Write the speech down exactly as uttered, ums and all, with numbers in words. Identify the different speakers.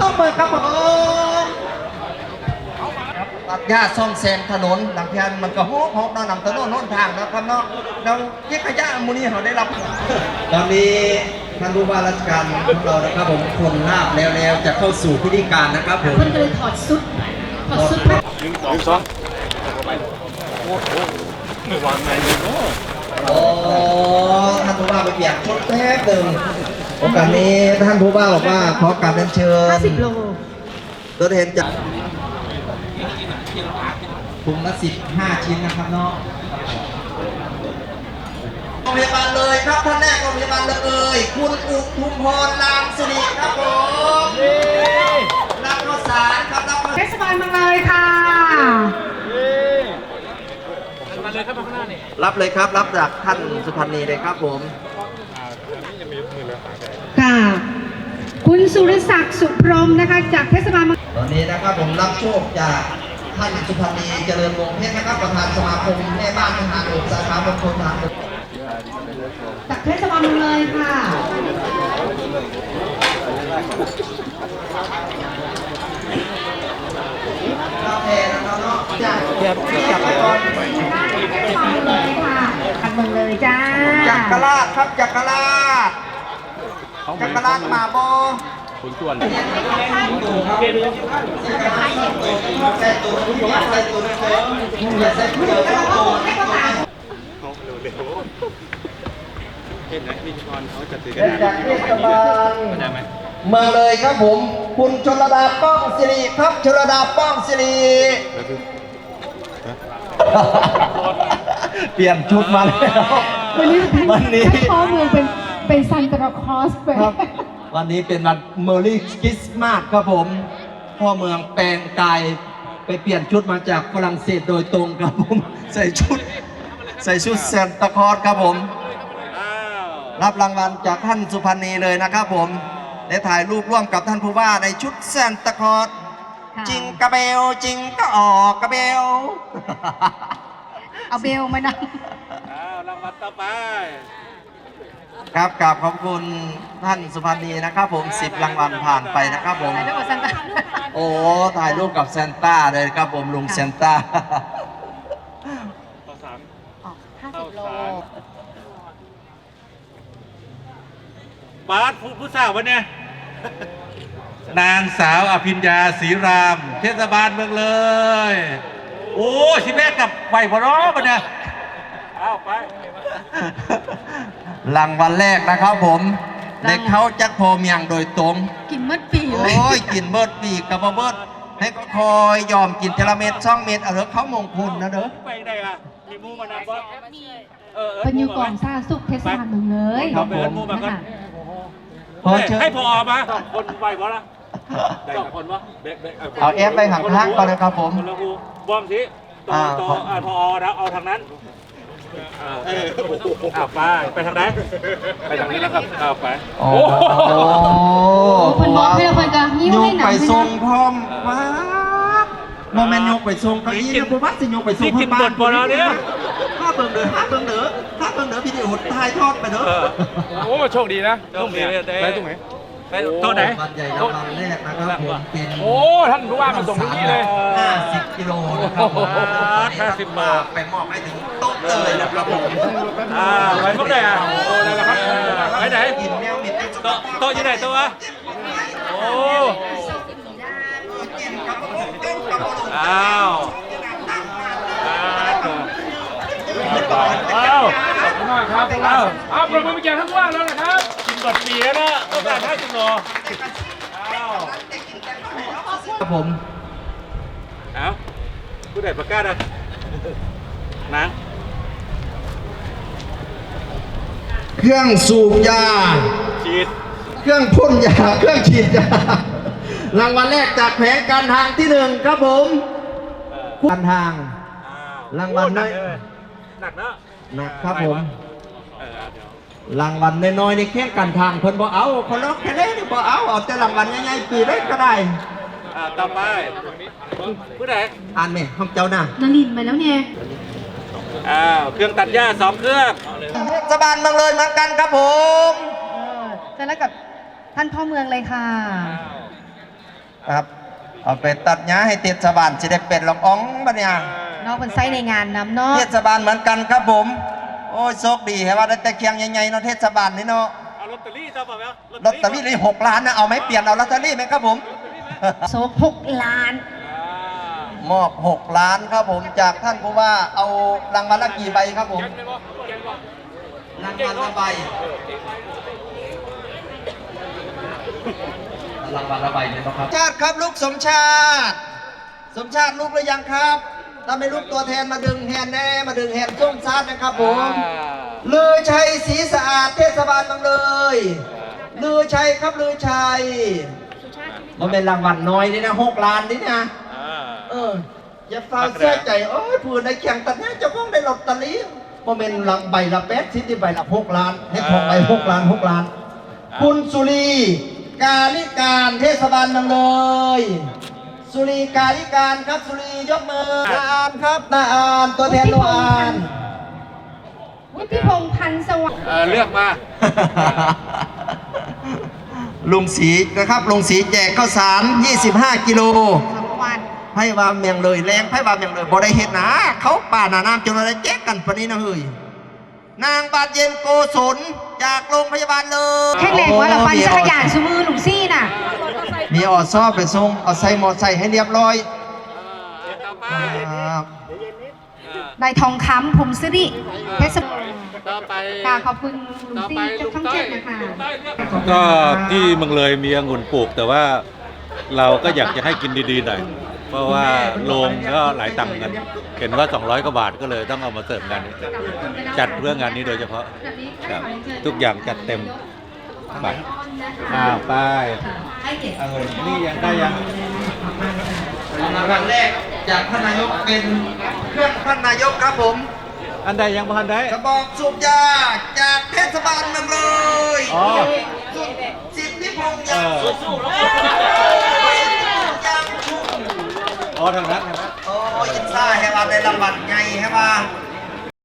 Speaker 1: ต้องเปิดครับผมตัดหญ้าซ่อมแซมถนนหลังแทนมันก็ฮอกฮอกนำถนนโน้นทางนะครับเนาะเราเก็บขยะมูนี่เขาได้รับตอนนี้ท่านผู้ว่าราชการของเรานะครับผมคนลาบแล้วแล้วจะเข้าสู่พิธีการนะครับผม
Speaker 2: เพิ่นก็เลยถอดชุดถอดชุด
Speaker 3: หนึ่งสองสองโอ้โหไม่วางไงเลยเนาะ
Speaker 1: โอ้ท่านผู้ว่าไปเปลี่ยนชุดแป๊บหนึ่งโอกาสนี้ท่านผู้ว่าบอกว่าขอการเรียนเชิญ
Speaker 2: ห้าสิบโล
Speaker 1: ตัวแทนจากถุงละสิบห้าชิ้นนะครับเนาะโรงพยาบาลเลยครับท่านแรกโรงพยาบาลเลยคุณอุทุมพรนามสิริครับผมรับข้าวสารครับรับข้าว
Speaker 2: เทศบาลเมืองเลยค่ะ
Speaker 3: มาเลยครับมาข้างหน้านี่
Speaker 1: รับเลยครับรับจากท่านสุพรรณีเลยครับผม
Speaker 2: ค่ะ คุณสุรศักดิ์สุพรหมนะคะจากเทศบาลเมือง
Speaker 1: ตอนนี้นะครับผมรับโชคจากท่านสุพรรณีเจริญวงศ์เพชรนะครับประธานสมาคมแม่บ้านทหารบกสาขาบางคนทหารบก
Speaker 2: จากเทศบาลเมืองเลยค่ะ
Speaker 1: กาแฟนะครับเนาะจาก
Speaker 3: เดี๋ยวจับไปก่อน
Speaker 2: เทศบาลเลยค่ะจากเมืองเลยจ้า
Speaker 1: จักรราชครับจักรราชจักรราชมาบอ
Speaker 3: คุณส่วน
Speaker 1: ใส่ตัวนี้ใส่ตัวนี้อย่าใส่ตัวเดียวเข้าตัว
Speaker 3: เขาเร็วเร็วเห็นไหมพิธีกรเขาจะถือกั
Speaker 1: เป็น
Speaker 3: น
Speaker 1: จากเทศบาล
Speaker 3: ได้ไหม
Speaker 1: เมืองเลยครับผม คุณชลดาป้องสิริครับชลดาป้องสิริเปลี่ยนชุดมาแล้ว
Speaker 2: วันนี้ท่าน
Speaker 1: วันนี้
Speaker 2: ท่านพ่อเมืองเป็นเป็นซันตาคลอสไป
Speaker 1: ครับวันนี้เป็นวันเมอรี่คริสต์มาสครับผมพ่อเมืองแปลงกายไปเปลี่ยนชุดมาจากฝรั่งเศสโดยตรงครับผมใส่ชุดใส่ชุดซานตาคลอสครับผม
Speaker 3: อ้าว
Speaker 1: รับรางวัลจากท่านสุพรรณีเลยนะครับผมได้ถ่ายรูปร่วมกับท่านผู้ว่าในชุดซานตาคลอส
Speaker 2: ค่ะ
Speaker 1: จริงกระเบลจริงก็ออกกระเบล
Speaker 2: เอาเบลมานะ
Speaker 3: อ้าวรางวัลต่อไป
Speaker 1: ครับกราบขอบคุณท่านสุพรรณีนะครับผมสิบรางวัลผ่านไปนะครับผม
Speaker 2: ถ่ายรูปกับซันตา
Speaker 1: โอ้ถ่ายรูปกับซานต้าเลยครับผมลุงซานต้า
Speaker 3: ต่อสาม
Speaker 2: ออกห้าสิบโล
Speaker 3: บาสผู้ผู้สาววันเนี่ยนางสาวอภิญญาศรีราม เทศบาลเมืองเลย โอ้ชิแม่กับไหวพอร้อปะเนี่ยเอาไป
Speaker 1: รางวัลแรกนะครับผมเด็กเขาจักพอเมียงโดยตรง
Speaker 2: กินมืดปีเลย
Speaker 1: โอ้ยกินเบิดปีกกับบ่เบิดให้ก็คอยยอมกินเทละเม็ดช่องเม็ดเอาเถอะเขามงคลนะเด้อ
Speaker 3: ไปไหนอ่ะมีมูมานำบ่เออ
Speaker 2: เป็นอยู่กองซาสุกเทศบาลเมืองเลย
Speaker 3: ครับผมมูมาก่อน
Speaker 2: นะคะ
Speaker 1: พอเชิญ
Speaker 3: ให้พอมาสองคนไหวบ่ล่ะสองคนวะ
Speaker 1: เอาเอฟไปห่างๆก่อนนะครับผม
Speaker 3: คนละหูบอมสิต่อ
Speaker 1: อ่า
Speaker 3: ต่ออ่าพอนะเอาทางนั้นอ่าเอออ่าไปไปทางไหนไปทางนี้แล้วครับเอาไป
Speaker 1: โอ้
Speaker 3: โอ้
Speaker 1: โห
Speaker 2: เพิ่นบอกให้เราเพิ่นก็ยิ้ม
Speaker 1: ย
Speaker 2: ให้
Speaker 1: ก
Speaker 2: หนั
Speaker 1: ไป
Speaker 2: ง
Speaker 1: ทรงพร้อมว้าโมเมนต์ยกไปทรงเก็ยี่นะผมว่าสิยกไปทรง
Speaker 3: นี่กินบทบอลแล้วเนี่ย
Speaker 1: ห้าเบิ่งเด้อห้าเบิ่งเด้อห้าเบิ่งเด้อพี่ดิวถ่ายทอดไปเด้อ
Speaker 4: โอ้โชคดีนะ
Speaker 3: โชคดีเลย
Speaker 4: ไปตรงไหน
Speaker 3: ไปโต๊ะไหน
Speaker 1: วันใหญ่รางวัลแรกนะครับผมเป็น
Speaker 4: โอ้ท่านผู้ว่ามาส่งถึงนี่เลย
Speaker 1: ห้าสิบกิโลนะครับ
Speaker 3: ห้าสิบบาท
Speaker 1: ไปมอบให้ถึงโต๊ะเลยนะครับผม
Speaker 3: อ่าไปพวกไหนอ่ะโอ้ได้แล้วครับไปไหน
Speaker 1: กินแมวมิดได้
Speaker 3: โต๊ะโต๊ะอยู่ไหนโต๊ะวะโอ้อ้าวอ้าว
Speaker 4: ขอบคุณมากครับอ้าวอ้าวปรบมือไปแก่ท่านผู้ว่าแล้วนะครับ
Speaker 3: กินกดปีแล้วนะต้องการห้าสิบโลอ้าว
Speaker 1: ครับผม
Speaker 3: เอ้าผู้ใดประกาศอ่ะนาง
Speaker 1: เครื่องสูบยา
Speaker 3: ฉีด
Speaker 1: เครื่องพ่นยา เครื่องฉีดยารางวัลแรกจากแผงการทางที่หนึ่งครับผมการทาง รางวัลน้อย
Speaker 3: หนักเนอะ
Speaker 1: นะครับผม
Speaker 3: เออเดี๋ยว
Speaker 1: รางวัลน้อยๆในแข่งการทางเพิ่นบ่เอาคนละแค่เล่นบ่เอาเอาแต่รางวัลใหญ่ๆปีเล็กก็ได้
Speaker 3: อ่าต่อไปผู้ใด
Speaker 1: อ่านไหมห้องเจ้าหน้า
Speaker 2: นารินมาแล้วเนี่ย
Speaker 3: อ้าวเครื่องตัดหญ้าสองเครื่อง
Speaker 1: เทศบาลเมืองเลยเหมือนกันครับผม
Speaker 2: เออเจอแล้วกับท่านพ่อเมืองเลยค่ะ
Speaker 1: ครับเอาไปตัดหญ้าให้เทศบาลจะได้เป็นรองอ๋องบัดเนี่ย
Speaker 2: เนาะเพิ่นใช้ในงานนำเนาะ
Speaker 1: เทศบาลเหมือนกันครับผม โอ้ยโชคดีให้ว่าได้แต่เคียงใหญ่ๆเนาะเทศบาลนี่เนาะ
Speaker 3: เอาลอตเตอรี่ซะป่ะแม่
Speaker 1: ลอตเตอรี่เลยหกล้านนะเอาไหมเปลี่ยนเอาลอตเตอรี่ไหมครับผม
Speaker 2: โซกหกล้าน
Speaker 1: มอบหกล้านครับผมจากท่านผู้ว่าเอารางวัลละกี่ใบครับผมรางวัลละใบรางวัลละใบเลยครับชาติครับลูกสมชาติ สมชาติลูกหรือยังครับถ้าไม่ลูกตัวแทนมาดึงแฮนแน่มาดึงแฮนส้มชาตินะครับผมลือชัยศรีสะอาดเทศบาลบางเลยลือชัยครับลือชัยมันเป็นรางวัลน้อยนี่นะหกล้านนี่นะเอออย่าฟ้าเสียใจโอ้ยผู้ในแข่งตัดนี้เจ้าของได้ลอตเตอรี่มันเป็นหลังใบละแปดสิบที่ใบละหกล้านให้ทองใบหกล้านหกล้านคุณสุรีกาลิการเทศบาลบางเลยสุรีกาลิการครับสุรียกมือนาอานครับนาอานตัวแทนนาอาน
Speaker 2: วุฒิพงษ์พันธ์สวัสดิ์
Speaker 3: เออเลือกมา
Speaker 1: ลุงศรีนะครับลุงศรีแจกข้าวสารยี่สิบห้ากิโล
Speaker 2: สองวัน
Speaker 1: ไพ่วามเมียงเลยแรงไพ่วามเมียงเลยบ่ได้เห็นนะเขาป่าหนาน้ำจนอะไรแจ๊กกันปะนี้นะเฮ้ยนางบาดเย็นโกศลจากโรงพยาบาลเลย
Speaker 2: แข็งแรงว่าเราปันจักรยานชูมือหลุมซี่น่ะ
Speaker 1: มีออดซอบไปส่งเอาใส่มอไซค์ให้เรียบร้อยครับ
Speaker 2: ได้ทองคำผมสิริเทศบาล
Speaker 3: ต่อไป
Speaker 2: ค่ะขอบคุณหลุมซี่จากช่องเจ็ดนะคะ
Speaker 3: ก็ที่เมืองเลยมีองุ่นปลูกแต่ว่าเราก็อยากจะให้กินดีๆหน่อยเพราะว่าโรงก็หลายตังค์กันเห็นว่าสองร้อยกว่าบาทก็เลยต้องเอามาเสิร์ฟงานนี้จัดเพื่องานนี้โดยเฉพาะครับทุกอย่างจัดเต็มไปอ่าไปองุ่นนี่ยังได้ยัง
Speaker 1: ครั้งแรกจากท่านนายกเป็นเครื่องท่านนายกครับผม
Speaker 3: อันใดยังพันได้
Speaker 1: กระบอกสูบยาจากเทศบาลเมืองเลย
Speaker 3: อ๋อ
Speaker 1: สิทธิพงษ์ยางสู้ๆยางชุ่ม
Speaker 3: อ๋อทางนั้นทางนั้น
Speaker 1: โอ้ยอินซ่าให้ว่าได้รางวัลไงให้ว่า